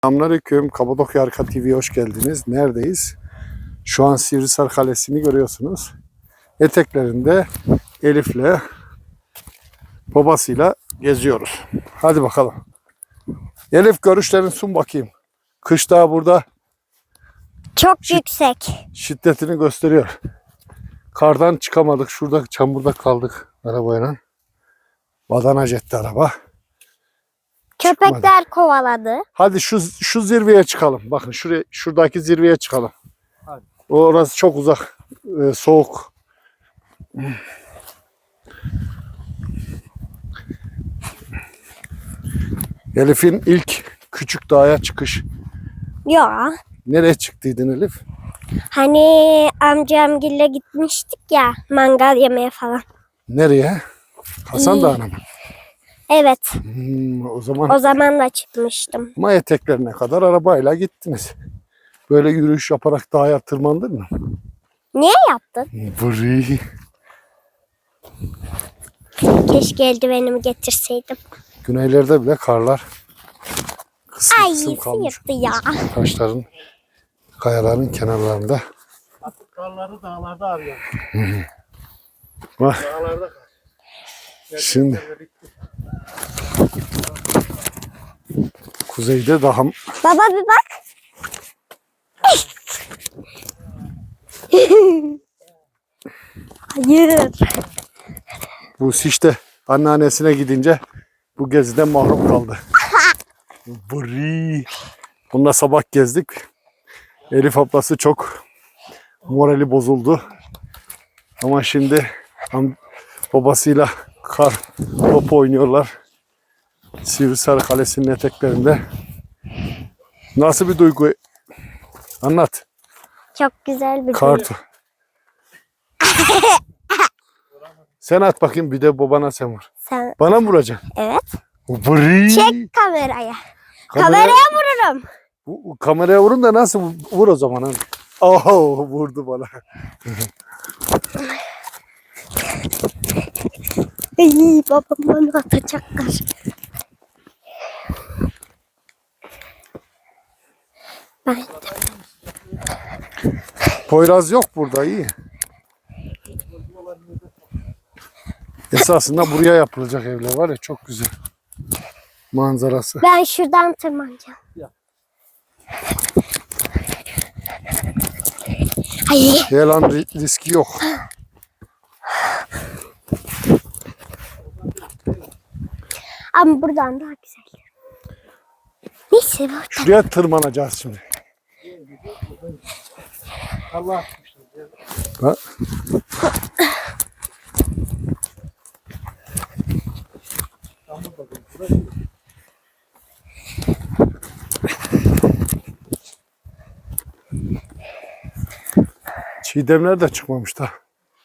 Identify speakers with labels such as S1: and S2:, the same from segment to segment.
S1: Selamünaleyküm. Kapadokya Arka TV'ye hoş geldiniz. Neredeyiz? Şu an Sivrisar Kalesi'ni görüyorsunuz. Eteklerinde Elif'le babasıyla geziyoruz. Hadi bakalım. Elif, görüşlerini sun bakayım. Kış daha burada
S2: Çok yüksek.
S1: şiddetini gösteriyor. Kardan çıkamadık. Şurada çamurda kaldık arabayla. Badana jetti araba.
S2: Köpekler kovaladı.
S1: Hadi şu zirveye çıkalım. Bakın şuradaki zirveye çıkalım.
S3: Hadi.
S1: Orası çok uzak. Soğuk. Elif'in ilk küçük dağa çıkış.
S2: Ya.
S1: Nereye çıktıydın Elif?
S2: Hani amcamgille gitmiştik ya mangal yemeye falan.
S1: Nereye? Hasan Dağı'na mı?
S2: Evet.
S1: O zaman
S2: O zaman da çıkmıştım.
S1: ama eteklerine kadar arabayla gittiniz. Böyle yürüyüş yaparak dağa tırmandın mı?
S2: Niye yaptın?
S1: Vırı.
S2: Keşke eldivenimi getirseydim.
S1: Güneylerde bile karlar kısım
S2: Ay
S1: kısım kalmış.
S2: sıyırdı ya.
S1: Taşların, kayaların kenarlarında.
S3: Artık karları dağlarda arıyorum.
S1: Bak.
S3: Dağlarda kar.
S1: Şimdi kuzeyde daha
S2: Baba bir bak. Hayır.
S1: bu işte anneannesine gidince bu geziden mahrum kaldı. Vırı. Bununla sabah gezdik. Elif ablası çok morali bozuldu. Ama şimdi babasıyla kar topu oynuyorlar. Sivrisar Kalesi'nin eteklerinde. Nasıl bir duygu? Anlat.
S2: Çok güzel bir
S1: Kar
S2: gün.
S1: to- Sen at bakayım, bir de babana sen vur.
S2: Sen...
S1: Bana mı vuracaksın?
S2: Evet.
S1: Vırı.
S2: Çek kameraya.
S1: Kamera-
S2: Kameraya vururum.
S1: Kameraya vurun da nasıl vur o zaman? Hani. Oh, vurdu bana.
S2: Ay, babam bana atacaklar. Ben
S1: Poyraz yok burada, iyi. Esasında buraya yapılacak evler var ya, çok güzel. Manzarası.
S2: Ben şuradan tırmanacağım. Ay,
S1: Yalan riski yok.
S2: ama buradan daha güzel. Neyse burada.
S1: Şuraya tırmanacağız şimdi.
S3: Allah atmışlar.
S1: Ha? Çiğdemler de çıkmamış da.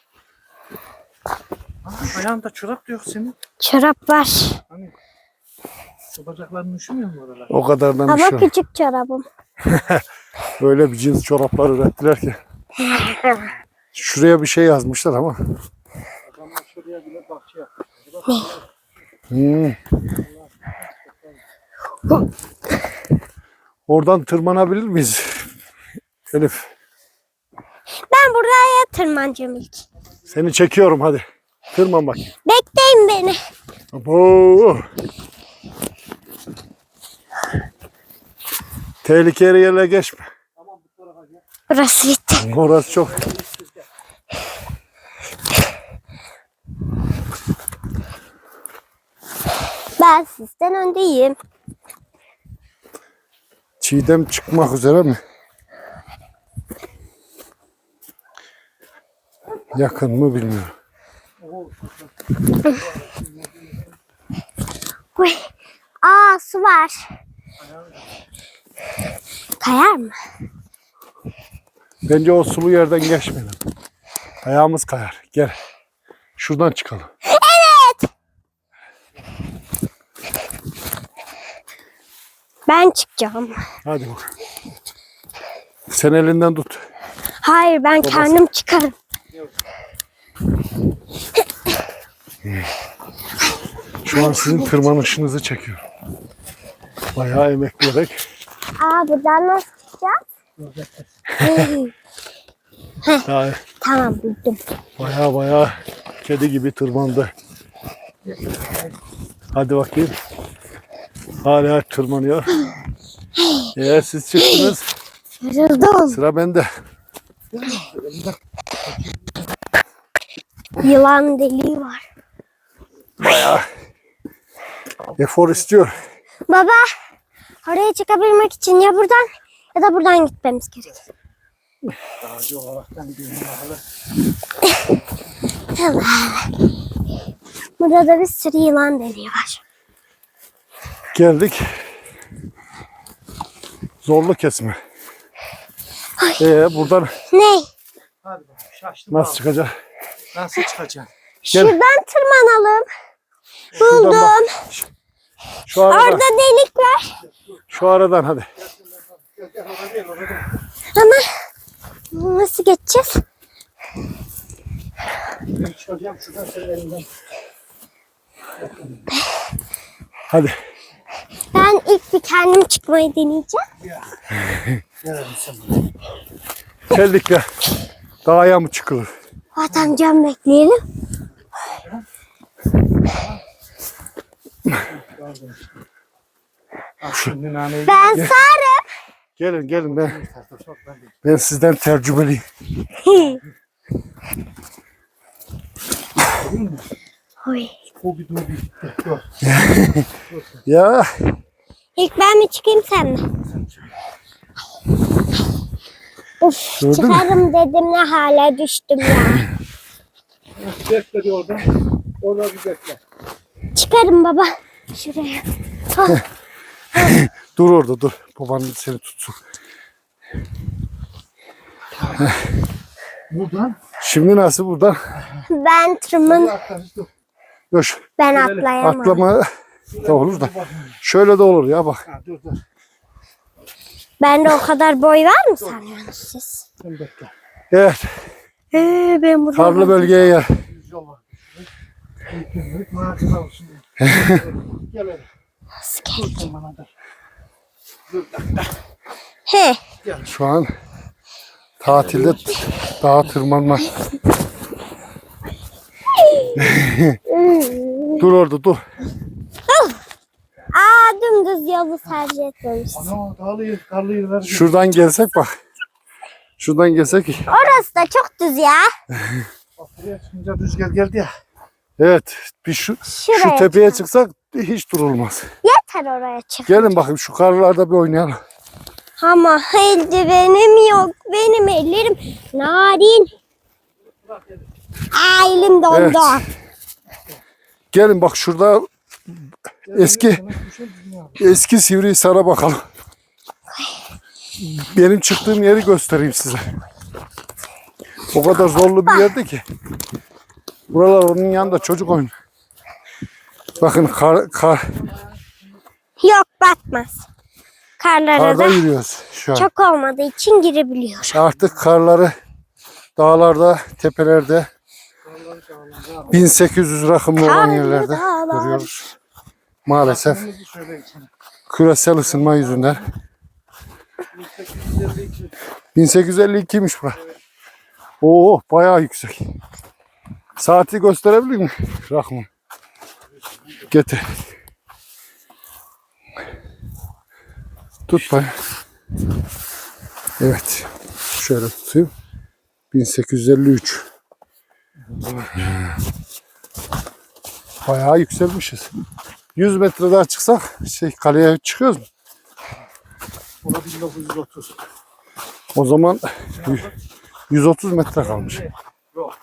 S3: Ayağında çorap da yok senin.
S2: Çorap var.
S3: Hani şu bacakların üşümüyor mu oralar?
S1: O kadardan bir
S2: Ama
S1: şey yok.
S2: küçük çorabım.
S1: Öyle bir cins çoraplar ürettiler ki. Şuraya bir şey yazmışlar ama.
S3: Adamlar şuraya bile bahçe yapmış.
S1: Oradan tırmanabilir miyiz? Elif,
S2: Ben buraya tırmanacağım ilk.
S1: seni çekiyorum, hadi. Tırman bakayım.
S2: Bekleyin beni.
S1: Abo. Tehlikeli yerlere geçme.
S2: Burası bitti.
S1: Orası çok.
S2: Ben sizden öndeyim.
S1: Çiğdem çıkmak üzere mi? Yakın mı bilmiyorum.
S2: Uy. Aa, su var. Kayar mı?
S1: Bence o sulu yerden geçmeyelim. Ayağımız kayar. Gel. Şuradan çıkalım.
S2: Ben çıkacağım.
S1: Hadi bakalım. Sen elinden tut.
S2: Hayır, ben kendim çıkarım.
S1: Şu an sizin tırmanışınızı çekiyorum. Bayağı emekleyerek
S2: Buradan nasıl çıkacağız?
S1: Daha
S2: Tamam buldum.
S1: baya kedi gibi tırmandı. Hadi bakayım. Hala tırmanıyor. Eğer siz çıktınız,
S2: Yoruldum.
S1: sıra bende.
S2: Yılan deliği var.
S1: Baya efor istiyor.
S2: Baba, oraya çıkabilmek için ya buradan ya da buradan gitmemiz gerek.
S3: Ağacı olaraktan gidiyorum.
S2: Burada da bir sürü yılan deliği var.
S1: Geldik. Zorlu kesme. Buradan
S3: Hadi
S2: Ne?
S3: bakalım. Şaştım.
S1: nasıl çıkacak?
S3: Nasıl çıkacaksın?
S2: Şuradan tırmanalım.
S1: Şuradan
S2: Buldum.
S1: bak. Şu aradan,
S2: Orada delik var.
S1: şu aradan hadi.
S2: Ama nasıl geçeceğiz?
S3: Ben çıkacağım şuradan senin elinden.
S1: Hadi.
S2: Ben ilk bir kendim çıkmayı deneyeceğim.
S3: Gel sen bana.
S1: Geldik ya. Dağa mı çıkılır?
S2: Zaten can bekleyelim.
S3: Ah, şimdi naneyi
S2: Ben sarım.
S1: Gelin ben sizden tecrübeliyim.
S2: Oy.
S3: o bir dur bir. Dur.
S1: Ya
S2: İlk ben mi çıkayım sen mi? Of,
S1: Gördün mü?
S2: çıkarım dedim ne hale düştüm ya.
S3: Bekle bir orada. Orada bir bekle.
S2: Çıkarım baba. Şuraya. Ah,
S1: dur orada dur. Baban seni tutsun.
S3: Buradan.
S1: Şimdi nasıl buradan?
S2: ben tırman.
S3: Dur.
S1: Dur.
S2: Ben atlayamam.
S1: Atlama da olur da. Şöyle de olur ya bak.
S3: Ha, dur.
S2: Bende o kadar boy var mı sanıyorsunuz siz?
S3: Sen bekle.
S1: Evet.
S2: Ben burada.
S1: Karlı bölgeye gel.
S3: Düz yol var. Büyük maaşına olsun. Gel öyle. Dur sen bana da. Dur dakika.
S2: He.
S1: Şu an tatilde dağa tırmanma. Dur orada dur.
S2: Dümdüz yolu tercih etmemişsin.
S3: Ana karlı yerler.
S1: Şuradan gelsek bak. Şuradan gelsek.
S2: Orası da çok düz ya.
S3: Bak buraya çıkınca rüzgar geldi ya.
S1: Evet. Bir şu
S2: Şuraya
S1: tepeye çıksak hiç durulmaz.
S2: Yeter oraya çık.
S1: Gelin bakayım şu karlarda bir oynayalım.
S2: Ama eldivenim yok. Benim ellerim narin. Elim dondu.
S1: Evet. Gelin bak şurada eski Sivrihisar'a bakalım. Benim çıktığım yeri göstereyim size. O kadar zorlu bir yerdi ki. Buralar onun yanında çocuk oyunu. Bakın
S2: Yok batmaz. Karlara
S1: karda
S2: da
S1: yürüyoruz şu an.
S2: çok olmadığı için girebiliyor.
S1: Artık karları dağlarda, tepelerde 1800 rakımlı olan
S2: Karlı
S1: yerlerde
S2: dağlar.
S1: görüyoruz. Maalesef
S3: Söyleyeyim sana.
S1: küresel ısınma yüzünden. 1852'ymiş bura. Oo bayağı yüksek. Saati gösterebilir mi Rahman? Getir. Tut bana. Evet. Şöyle tutayım. 1853. Bayağı yükselmişiz. 100 metre daha çıksak kaleye çıkıyoruz mu?
S3: Buna 1930.
S1: O zaman 130 metre kalmış.
S3: Yok.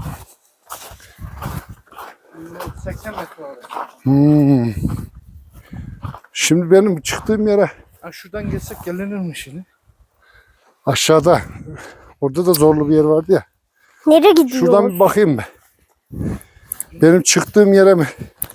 S3: 80 metre oraya.
S1: Şimdi benim çıktığım yere
S3: Ha, şuradan geçsek gelinir mi şimdi?
S1: aşağıda. Orada da zorlu bir yer vardı ya.
S2: Nereye gidiyor?
S1: Şuradan bir bakayım ben. Benim çıktığım yere mi?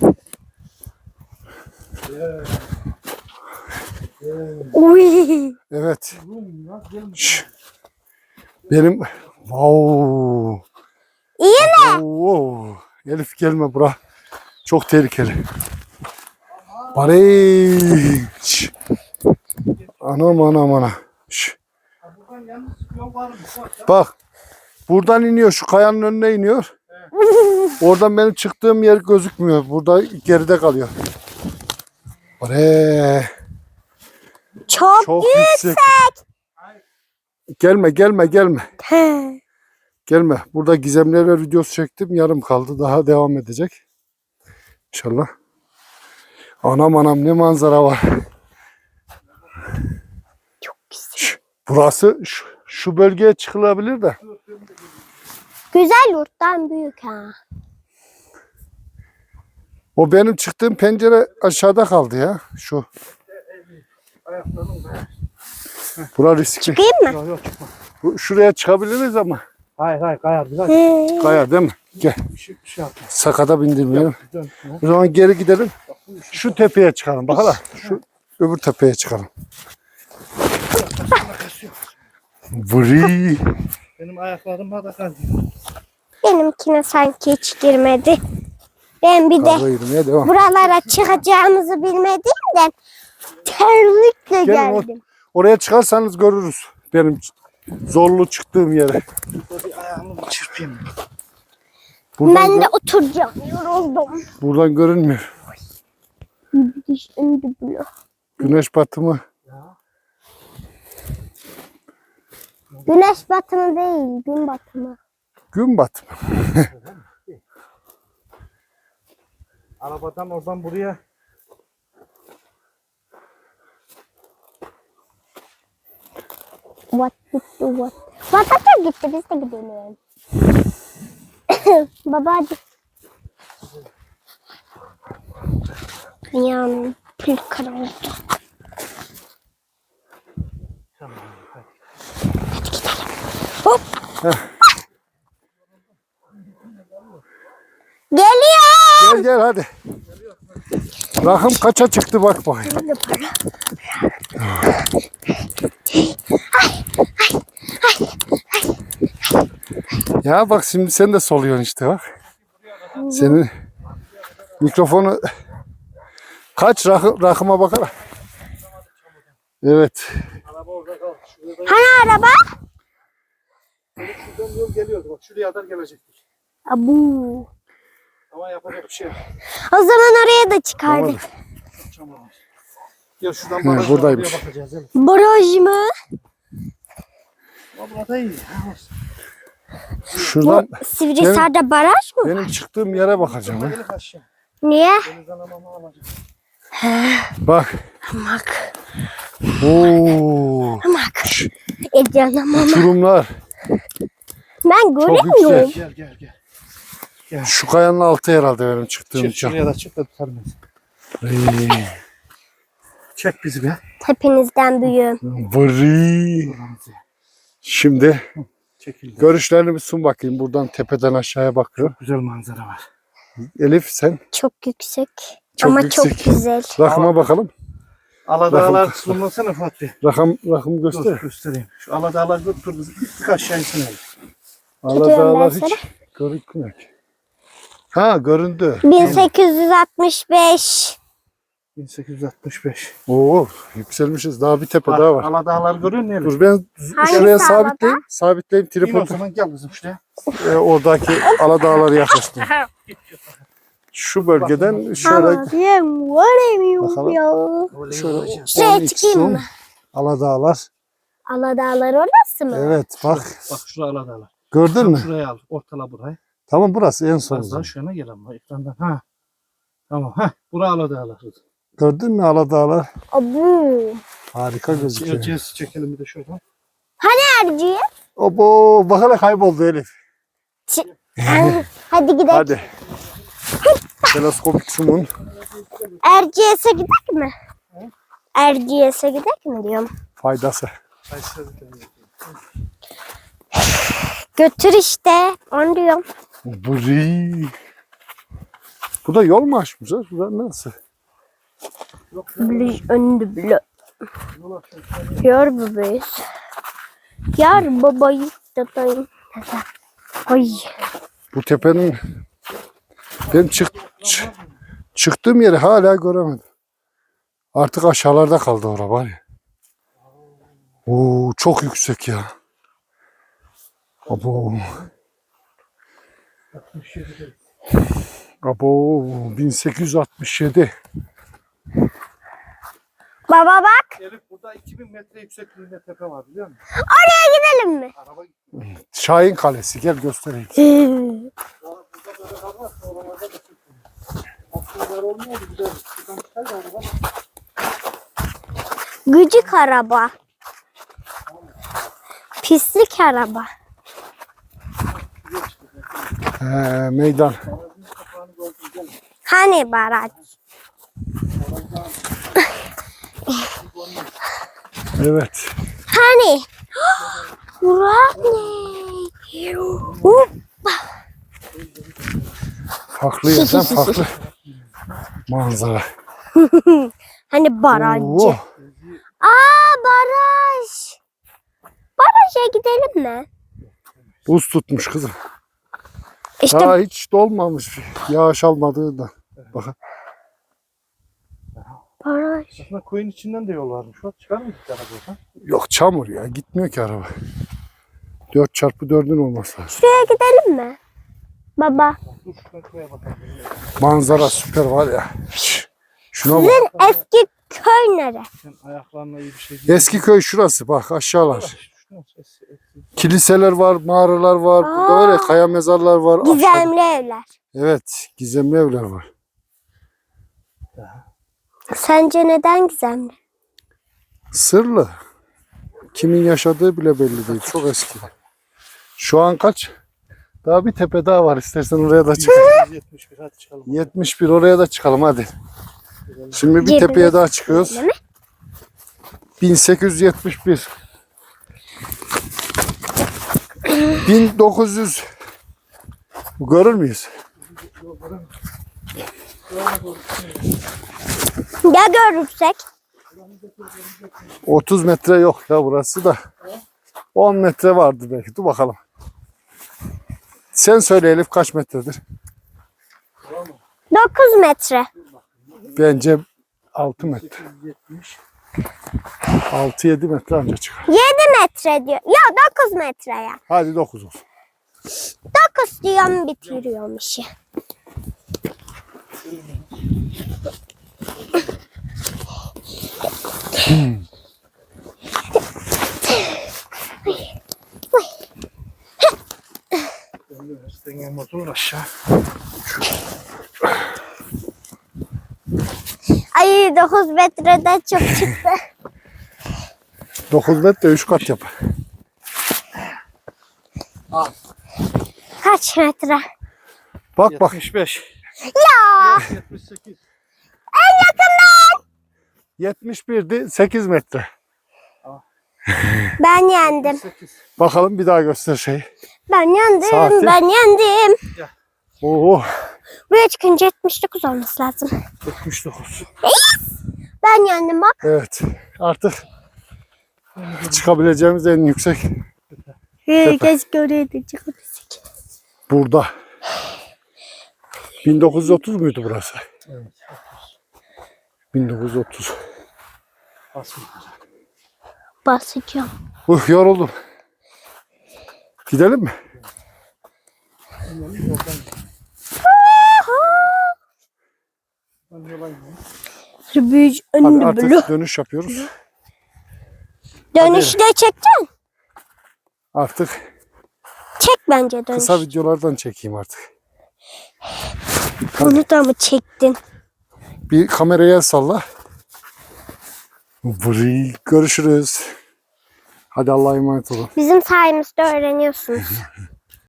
S2: Uy.
S1: Evet. Şş. Benim wow.
S2: İyi mi?
S1: Wow. Elif gelme bura. Çok tehlikeli. Barış. Anam anam anam. Şş,
S3: Buradan yalnız yol var mı?
S1: bak. Buradan iniyor. Şu kayanın önüne iniyor. Oradan benim çıktığım yer gözükmüyor. Burada geride kalıyor. Oraya.
S2: Çok
S1: yüksek. Gelme gelme gelme.
S2: He.
S1: Gelme. Burada gizemler videosu çektim. Yarım kaldı. Daha devam edecek. İnşallah. Anam anam ne manzara var.
S2: Çok güzel.
S1: Burası şu bölgeye çıkılabilir de.
S2: Güzel yurttan büyük ha.
S1: O benim çıktığım pencere aşağıda kaldı ya. Şu.
S3: Ayaklarım da.
S1: Bura riskli.
S2: Çıkayım mı?
S3: Yok yok çıkma.
S1: Şuraya çıkabiliriz ama.
S3: Hayır kayar biraz.
S2: He.
S1: Kaya değil mi? Gel.
S3: Bir şey yapma.
S1: Sakata bindirmeyelim.
S3: Dön. Ha.
S1: O zaman geri gidelim. Şu tepeye çıkalım. Bak hala. Şu öbür tepeye çıkalım. Vri.
S3: Benim ayaklarıma da kaldı.
S2: Benimkine sanki hiç girmedi. Ben bir de
S1: Kavga yürümeye devam.
S2: buralara çıkacağımızı bilmediğimden terlikle
S1: Gelin o-
S2: geldim.
S1: Oraya çıkarsanız görürüz. Benim zorlu çıktığım yere.
S3: Burada bir ayağımı bir çırpayım.
S1: Buradan,
S2: Ben de oturacağım. Yoruldum.
S1: buradan görünmüyor.
S2: Şimdi böyle.
S1: Güneş batımı.
S2: Güneş batımı değil, gün batımı.
S1: Gün batımı.
S3: Arabadan oradan buraya.
S2: What gitti what? What gitti biz de gidelim. Baba hadi. Dünyanın pil karanlığı.
S3: Tamam. Hadi.
S2: Hop. Geliyor.
S1: Gel gel hadi. Rakım kaça çıktı bak bakayım.
S2: Burada para.
S1: Ya bak şimdi sen de soluyorsun işte bak. Senin mikrofonu kaç rakıma bakalım. Evet.
S3: Araba orada kaldı. Şurada
S2: Hani araba?
S3: şuradan yol geliyordu. Bak şuraya kadar gelecektik.
S2: Abu.
S3: Ama yapacak bir şey yok.
S2: O zaman oraya da çıkardık.
S3: Tamam. Gel şuradan
S1: He,
S3: barajdan
S1: buradaymış.
S3: oraya bakacağız. Evet.
S2: Baraj mı?
S3: Ama burada iyi. Ha, olsun.
S1: Şuradan
S2: Bu Sivrisar'da baraj mı?
S1: benim çıktığım yere bakacağım. Ha.
S3: Gelip aşağı.
S2: Niye?
S3: Denizden amamı alacağım.
S1: Bak.
S2: Hamak.
S1: Oo.
S2: Hamak. Canım ama.
S1: Uçurumlar.
S2: Ben göremiyorum.
S1: yüksek.
S3: Gel.
S1: Şu kayanın altı herhalde benim çıktığım
S3: Çık
S1: uçak.
S3: şuraya da çık da tutarım ben. Çek bizi be.
S2: Hepinizden büyüğüm.
S1: Vri. Şimdi
S3: Çekil.
S1: görüşlerini bir sun bakayım. Buradan tepeden aşağıya bakıyor.
S3: Güzel manzara var.
S1: Elif sen
S2: Çok yüksek.
S1: Çok
S2: ama
S1: yüksek.
S2: çok güzel.
S1: rakıma bakalım.
S3: Aladağlar sunmasana Fatih.
S1: Rakım
S3: Dur
S1: göster.
S3: göstereyim. Şu Aladağlar götür bizi. Gittik aşağı insene.
S1: Aladağlar
S2: ben
S1: hiç görünmüyor ki. Ha göründü.
S2: 1865.
S3: 1865.
S1: Oo yükselmişiz. Daha bir tepe daha var.
S3: Aladağlar görüyor musun?
S1: Dur ben
S2: Hangisi
S1: şuraya
S2: Aladağ?
S1: sabitleyeyim. Sabitleyeyim
S3: İn o
S1: tripodu.
S3: zaman gel kızım şuraya.
S1: Oradaki Aladağları yaklaştım. Şu bölgeden şöyle
S2: Abim varemiyorum
S1: Bakalım.
S2: ya.
S1: şöyle
S2: Şuraya
S1: 10x
S2: çıkayım
S1: zoom.
S2: mı?
S1: Aladağlar.
S2: Aladağlar orası mı?
S1: Evet bak.
S3: Bak şuraya Aladağlar.
S1: Gördün mü?
S3: Şuraya al. Ortala burayı.
S1: Tamam burası en son.
S3: Az daha şuna gel ama ekrandan. Ha. Tamam. Ha. Buraya Aladağlar.
S1: Gördün mü Aladağlar?
S2: Abu.
S1: Harika gözüküyor.
S3: Çekeceğiz. Çekelim bir de şuradan.
S2: Erciye.
S1: Obo bak hele kayboldu Elif.
S2: Hadi gidelim.
S1: Hadi. Teleskopik sumun.
S2: Erciyes'e gidek mi? Erciyes'e gidek mi diyorum.
S1: Faydası.
S2: Götür işte. Onu diyorum.
S1: Buri. Bu da yol mu açmışlar? Bu da nasıl?
S2: Önde bile. Yar babayız. Yar babayız dedeyim. Ay.
S1: Bu tepenin benim çıktığım yeri hala göremedim. Artık aşağılarda kaldı orada var ya. Oo, çok yüksek ya. Abo.
S3: 67.
S1: Abo 1867.
S2: Baba bak.
S3: Elif burada 2000 metre yüksekliğinde tepe var biliyor musun?
S2: Oraya gidelim mi?
S3: Araba gitti.
S1: Şahin Kalesi gel göstereyim.
S3: Burada böyle kar var. Oralarda da çıkıyor. Aslında olmuyordu. Bir de şuradan çıkar da araba.
S2: Gıcık araba. Pislik araba.
S1: Meydan.
S2: Hani baraj?
S1: Evet.
S2: Hani? Burak ne? Hoppa.
S1: Farklı yerden farklı manzara.
S2: Hani barajcı?
S1: Oo,
S2: Aa baraj. Baraja gidelim mi?
S1: buz tutmuş kızım.
S2: İşte
S1: Daha hiç dolmamış. Yağış almadığından. Bakın.
S2: baraj.
S3: Aslında koyun içinden de yol varmış. Bak çıkar mı gittik arabadan?
S1: Yok çamur ya. Gitmiyor ki araba. 4x4'ün olması lazım.
S2: Şuraya gidelim mi? Baba.
S3: Dur şuradan koya bakalım.
S1: Manzara süper var ya. Şuna bak.
S2: Sizin eski köy nere?
S3: Sen ayaklarına iyi bir şey değil.
S1: Eski köy şurası. Bak aşağılar.
S3: Şurası eski.
S1: Kiliseler var, mağaralar var. Burada
S2: Aa.
S1: var ya kaya mezarlar var. Aşağıda-
S2: Gizemli evler.
S1: Evet. Gizemli evler var.
S2: Sence neden gizemli?
S1: Sırlı. Kimin yaşadığı bile belli değil. Çok eski. Şu an kaç? Daha bir tepe daha var. İstersen oraya da çıkalım.
S3: 71 hadi çıkalım.
S1: 71 oraya da çıkalım hadi. Şimdi bir
S2: Cebine
S1: tepeye daha çıkıyoruz.
S2: Değil mi?
S1: 1871. 1900. Görür müyüz?
S2: Ya görürsek?
S1: 30 metre yok ya burası da. 10 metre vardı belki. Dur bakalım. Sen söyle Elif kaç metredir?
S2: 9 metre.
S1: Bence 6 metre.
S3: 70.
S1: 6-7 metre anca çıkar.
S2: 7 metre diyor. Ya 9 metre ya.
S1: Hadi 9 olsun.
S2: 9 diyorum bitiriyorum işi.
S3: Denge motorun aşağı.
S2: Ay 9 metreden çok çıktı.
S1: 9 metre 3 kat yapar.
S2: Kaç metre?
S1: Bak bak
S3: 75.
S2: Ya
S3: 78.
S1: 71'di 8 metre.
S2: ben yendim.
S3: 8.
S1: Bakalım bir daha göster şeyi.
S2: Ben yendim.
S1: Saati.
S2: Ben yendim.
S1: Oo,
S2: Buraya çıkınca 79 olması lazım.
S3: 79.
S2: Ben yendim bak.
S1: evet artık çıkabileceğimiz en yüksek
S2: Keşke oraya da çıkabilsek.
S1: burada. 1930 muydu burası?
S3: Evet.
S1: 1930.
S3: Basın.
S2: Basacağım.
S1: Yoruldum. Gidelim mi?
S3: Ben yola ineyim.
S2: Büyücü
S1: Hadi
S2: önünü
S1: artık
S2: bulu.
S1: dönüş yapıyoruz.
S2: Dönüşte çekeceksin.
S1: Artık
S2: Çek bence dönüş.
S1: kısa videolardan çekeyim artık.
S2: Bunu da mı çektin?
S1: Bir kameraya el salla. Görüşürüz. Hadi Allah'a emanet olun.
S2: Bizim sayemizde öğreniyorsunuz.